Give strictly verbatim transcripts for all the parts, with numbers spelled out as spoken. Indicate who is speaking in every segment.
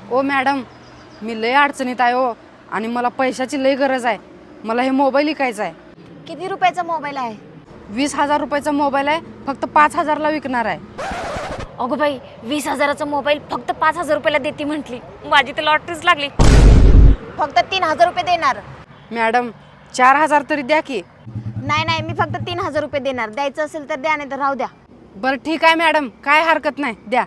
Speaker 1: ओ madam, मी लय अडचणीत आहे हो आणि मला पैशाची लय गरज आहे. मला हे मोबाईल विकायचा आहे.
Speaker 2: किती रुपयाचा मोबाईल आहे?
Speaker 1: वीस हजार रुपयाचा मोबाईल आहे, फक्त पाच हजारला विकणार आहे.
Speaker 2: अगो बाई, वीस हजाराचा मोबाईल फक्त पाच हजार रुपयाला देते म्हटली. माझी तर लॉटरीच लागली. फक्त तीन हजार रुपये देणार.
Speaker 1: मॅडम चार हजार तरी द्या की.
Speaker 2: नाही नाही, मी फक्त तीन हजार रुपये देणार. द्यायचं असेल तर द्या, नाही तर राहू द्या.
Speaker 1: बरं ठीक आहे मॅडम, काय हरकत नाही, द्या.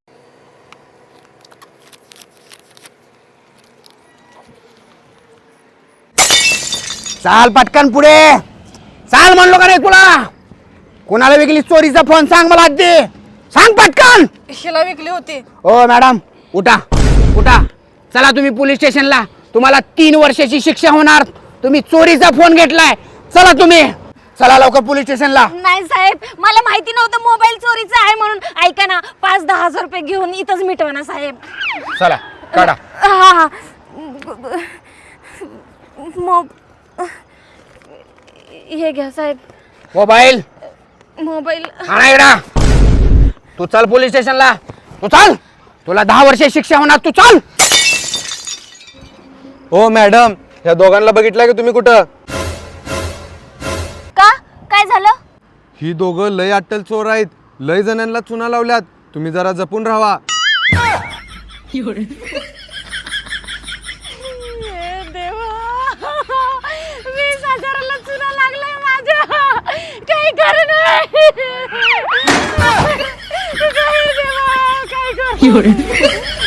Speaker 3: चाल पटकन पुढे चाल म्हणलो का नाही तुला? कोणाला विकली चोरीचा फोन सांग मला आधी, सांग पटकन.
Speaker 1: हिला विकली होती.
Speaker 3: ओ मॅडम उठा उठा, चला तुम्ही पोलीस स्टेशनला. तुम्हाला तीन वर्षाची शिक्षा होणार. तुम्ही चोरीचा फोन घेतलाय. चला तुम्ही, चला लवकर पोलीस स्टेशनला.
Speaker 2: नाही साहेब, मला माहिती नव्हतं मोबाईल चोरीचा आहे म्हणून. ऐका ना, पाच दहा हजार रुपये घेऊन इथंच मिटवा ना साहेब.
Speaker 3: चला काढा.
Speaker 2: हा हा मो हे घ्या साहेब,
Speaker 3: मोबाईल
Speaker 2: मोबाईल.
Speaker 3: आणा इकडं. तू चल पोलीस स्टेशनला, तू चल. तुला दहा वर्ष शिक्षा होणार, तू चल.
Speaker 4: हो मॅडम, ह्या दोघांना बघितलंय का तुम्ही कुठं?
Speaker 2: का काय झालं?
Speaker 4: ही दोघं लय अट्टल चोर आहेत. लय जणांना चुना लावल्यात. तुम्ही जरा जपून राहा.
Speaker 2: वीस हजाराला चुना लागलाय माझ्या. काही खरं नाही. काय देवा, काय करू?